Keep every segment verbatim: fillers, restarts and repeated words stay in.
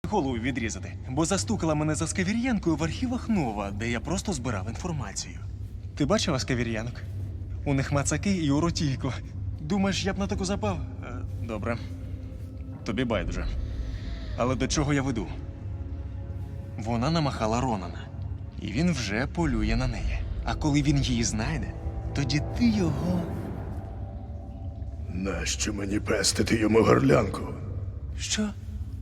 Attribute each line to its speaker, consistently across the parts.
Speaker 1: голову відрізати, бо застукала мене за Скавір'янкою в архівах Нова, де я просто збирав інформацію. Ти бачила Скавір'янок? У них мацаки і у роті ікла. Думаєш, я б на таку запав? Е, Добре. Тобі байдуже. Але до чого я веду? Вона намахала Ронана, і він вже полює на неї. А коли він її знайде, тоді ти його...
Speaker 2: Нащо мені пестити йому горлянку?
Speaker 1: Що?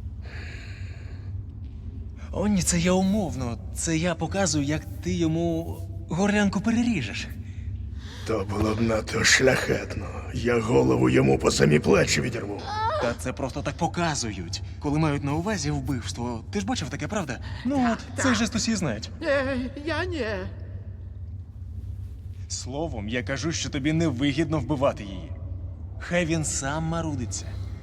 Speaker 1: О, ні, це я умовно. Це я показую, як ти йому горлянку переріжеш.
Speaker 2: То було б надто шляхетно. Я голову йому по самі плечі відірву.
Speaker 1: Та це просто так показують, коли мають на увазі вбивство. Ти ж бачив таке, правда? Ну от, цей жест усі знають.
Speaker 3: Ей, я ні.
Speaker 1: Словом, я кажу, що тобі невигідно вбивати її. Хай він сам марудиться.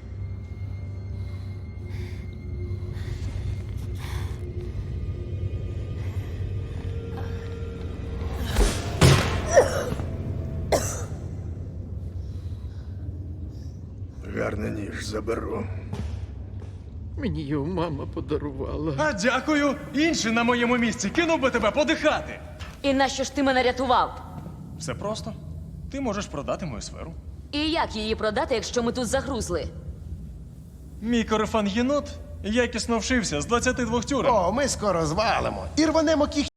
Speaker 2: Гарний ніж заберу.
Speaker 3: Мені його мама подарувала.
Speaker 1: А дякую! Інший на моєму місці кинув би тебе подихати.
Speaker 4: І нащо ж ти мене рятував?
Speaker 1: Все просто. Ти можеш продати мою сферу.
Speaker 4: І як її продати, якщо ми тут загрузли?
Speaker 1: Мій корефан єнот якісно вшився з двадцяти двох тюрем.
Speaker 5: О, ми скоро звалимо і рванемо кіхті.